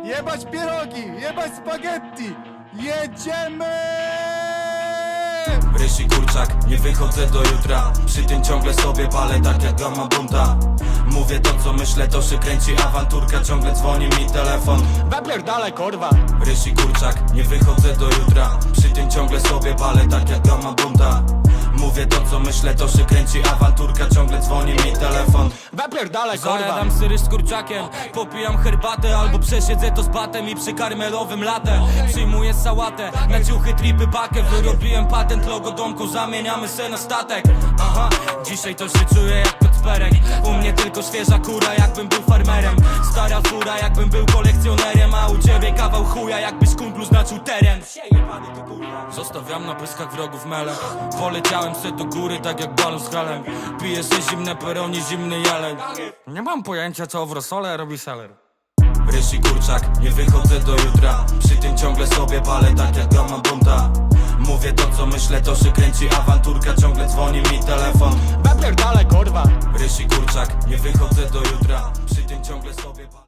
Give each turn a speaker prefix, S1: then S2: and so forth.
S1: Jebać pierogi, jebać spaghetti. Jedziemy!
S2: Ryż i kurczak, nie wychodzę do jutra. Przy tym ciągle sobie palę tak jak gama bunta. Mówię to co myślę, to się kręci awanturka. Ciągle dzwoni mi telefon.
S1: Zapierdalaj kurwa.
S2: Ryż i kurczak, nie wychodzę do jutra. Przy tym ciągle sobie palę tak jak gama bunta. Mówię to co myślę, to się kręci awanturka. Ciągle dzwoni mi telefon.
S1: Zapierdalaj kurwa.
S3: Zajadam syry z kurczakiem, popijam herbatę albo przesiedzę to z batem i przy karmelowym latte przyjmuję sałatę, na ciuchy, tripy, pakę. Wyrobiłem patent, logo domku, zamieniamy se na statek. Aha, dzisiaj to się czuję jak Kacperek. U mnie tylko świeża kura, jakbym był farmerem. Stara fura, jakbym był kolekcjonerem. A u ciebie kawał chuja, jakbyś kumplu znaczył teren. Zostawiam na pyskach wrogów mele. Poleciałem se do góry tak jak balon z halem. Piję se zimne peroni, zimny jeleń. Nie mam pojęcia co w rosole robi seler.
S2: Ryż i kurczak, nie wychodzę do jutra. Przy tym ciągle sobie palę tak jak gama bunta. Mówię to co myślę, to się kręci awanturka. Ciągle dzwoni mi telefon.
S1: Zapierdalaj kurwa.
S2: Ryż i kurczak, nie wychodzę do jutra. Przy tym ciągle sobie palę.